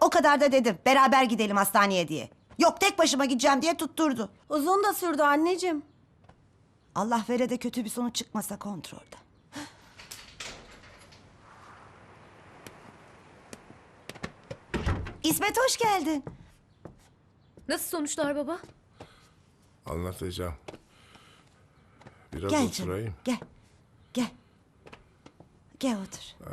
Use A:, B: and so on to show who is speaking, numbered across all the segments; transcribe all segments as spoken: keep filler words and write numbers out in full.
A: O kadar da dedim beraber gidelim hastaneye diye. Yok tek başıma gideceğim diye tutturdu.
B: Uzun da sürdü anneciğim.
A: Allah vere de kötü bir sonuç çıkmasa kontrolde. İsmet hoş geldin.
C: Nasıl sonuçlar baba?
D: Anlatacağım. Biraz
A: Gel
D: oturayım.
A: canım gel. Gel. Gel otur.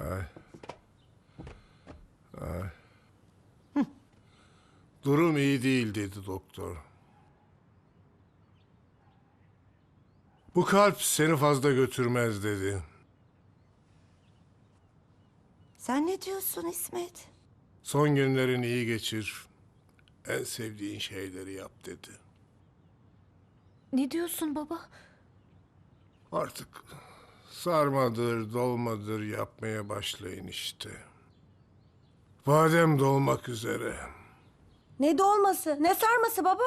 D: Durum iyi değil dedi doktor. Bu kalp seni fazla götürmez dedi.
A: Sen ne diyorsun İsmet?
D: Son günlerini iyi geçir. En sevdiğin şeyleri yap dedi.
C: Ne diyorsun baba?
D: Artık sarmadır, dolmadır yapmaya başlayın işte. Badem dolmak üzere.
B: Ne dolması, ne sarması baba?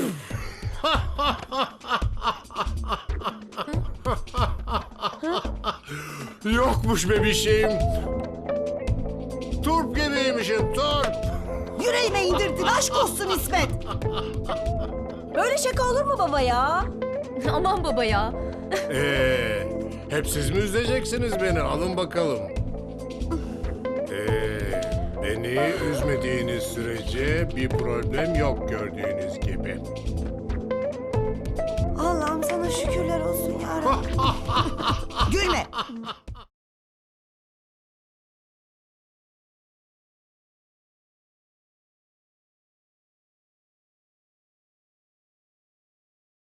D: Yokmuş bebişim. Turp gibiymişim, turp.
A: Yüreğime indirdin aşk olsun İsmet.
B: Böyle şaka olur mu baba ya?
C: Aman baba ya.
D: Ee, hep siz mi üzeceksiniz beni? Alın bakalım. Ee, beni üzmediğiniz sürece bir problem yok gördüğünüz gibi.
A: Allah'ım sana şükürler olsun ya Rabbim. Gülme.